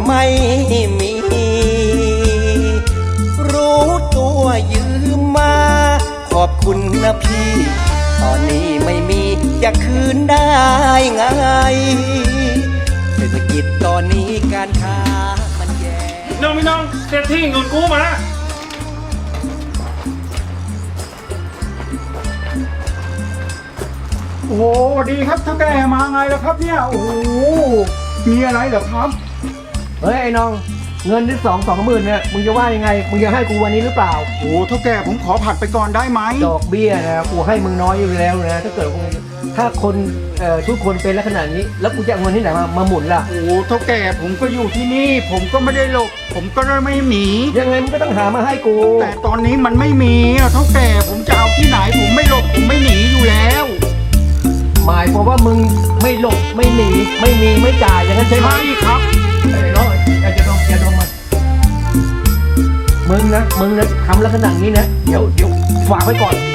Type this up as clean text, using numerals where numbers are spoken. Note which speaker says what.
Speaker 1: ไม่มี รู้ตัวยืมมาขอบคุณนะพี่ตอนนี้ไม่มีจะคืนได้ไงเศรษฐกิจตอนนี้การค้ามันแย่
Speaker 2: พี่น้องเศรษฐีเงินกู้มา
Speaker 3: โอ้โหดีครับเท่าแก่มาไงล่ะครับเนี่ยโอ้โหมีอะไรเหรอครับ
Speaker 4: เฮ้ยไอ้น้องเงินที่20,000เนี่ยมึงจะว่ายังไงมึงจะให้กูวันนี้หรือเปล่า
Speaker 3: โอ้เท่าแก่ผมขอผัดไปก่อนได้ไหม
Speaker 4: ดอกเบี้ยนะกูให้มึงน้อยอยู่แล้วนะถ้าเกิดถ้าคนทุกคนเป็นลักษณะนี้แล้วกูจะเอาเงินที่ไหนมาหมุนล่ะ
Speaker 3: โอ้เท่าแก่ผมก็อยู่ที่นี่ผมก็ไม่ได้หลบผมก็ไม่หนี
Speaker 4: ยังไงมึงก็ต้องหามาให้กู
Speaker 3: แต่ตอนนี้มันไม่มีเท่าแก่ผมจะเอาที่ไหนผมไม่หลบผมไม่หนีอยู่แล้ว
Speaker 4: หมายความว่ามึงไม่หลบไม่หนีไม่มีไม่จ่ายอย่างนั้นใช่ไหม
Speaker 3: ใช่ครับ
Speaker 4: ไอ้น้องอย่าดมมามึงนะทำลักษณะนี้นะเดี๋ยวฝากไว้ก่อน